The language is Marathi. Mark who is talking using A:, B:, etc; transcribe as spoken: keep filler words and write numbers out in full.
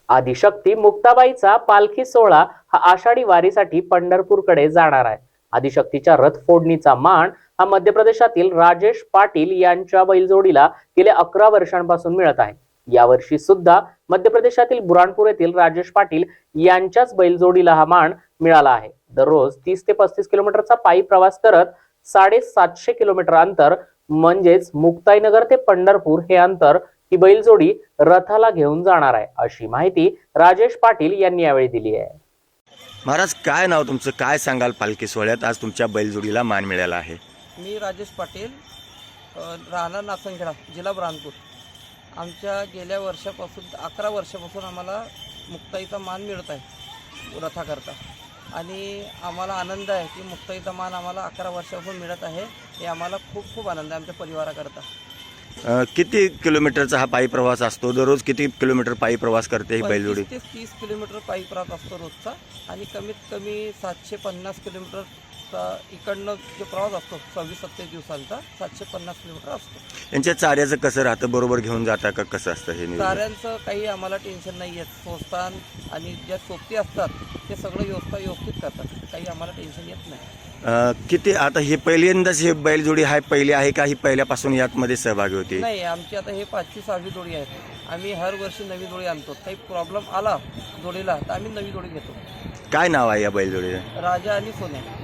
A: आदिशक्ती मुक्ताबाईचा पालखी सोहळा हा आषाढी वारीसाठी पंढरपूरकडे जाणार आहे। आदिशक्तीच्या रथ फोडणीचा मान हा मध्य प्रदेशातील राजेश पाटील यांच्या बैलजोडीला गेल्या अकरा वर्षांपासून मिळत आहे। यावर्षी सुद्धा मध्य प्रदेशातील बुरानपूर येथील राजेश पाटील यांच्याच बैलजोडीला हा मान मिळाला आहे। दररोज तीस ते पस्तीस किलोमीटरचा पायी प्रवास करत साडेसातशे किलोमीटर अंतर म्हणजेच मुक्ताईनगर ते पंढरपूर हे अंतर ही बैलजोडी रथाला घेऊन जाणार आहे, अशी माहिती राजेश पाटील यांनी यावेळी दिली आहे।
B: महाराज, काय नाव तुमचं, काय सांगाल पालखी सोहळ्यात आज तुमच्या बैलजोडीला मान मिळाला आहे?
C: मी राजेश पाटील, राहणार नाचनखेडा, जिल्हा बुरहानपूर। आमच्या गेल्या वर्षापासून अकरा वर्षापासून आम्हाला मुक्ताईचा मान मिळत आहे रथाकरता, आणि आम्हाला आनंद आहे की मुक्ताईचा मान आम्हाला अकरा वर्षापासून मिळत आहे। हे आम्हाला खूप खूप आनंद आहे आमच्या परिवाराकरता।
B: किती किलोमीटरचा हा पायी प्रवास असतो? दररोज किती किलोमीटर पायी प्रवास करते ही बैलजोडी?
C: तीस ते तीस किलोमीटर पायी प्रवास असतो रोजचा, आणि कमीत कमी सातशे पन्नास किलोमीटरचा इकडनं जो प्रवास असतो सव्वीस सत्तावीस दिवसांचा सातशे पन्नास किलोमीटर असतो।
B: यांच्या चाऱ्याचं कसं राहतं? बरोबर घेऊन जाता का? कसं असतं हे नियोजन?
C: चाऱ्यांचं काही आम्हाला टेन्शन नाही आहे। संस्थान आणि ज्या सोबती असतात ते सगळं व्यवस्था व्यवस्थित करतात, काही आम्हाला टेन्शन येत नाही।
B: किती आता हे पहिल्यांदाच हे बैलजोडी आहे, पहिली आहे का ही पहिल्यापासून यातमध्ये सहभागी होती?
C: नाही, आमची आता हे पाचवी सहावी जोडी आहे। आम्ही हर वर्षी नवी जोडी आणतो। काही प्रॉब्लेम आला जोडीला तर आम्ही नवी जोडी घेतो।
B: काय नाव आहे या बैलजोडीचं?
C: राजा आणि सोन्या।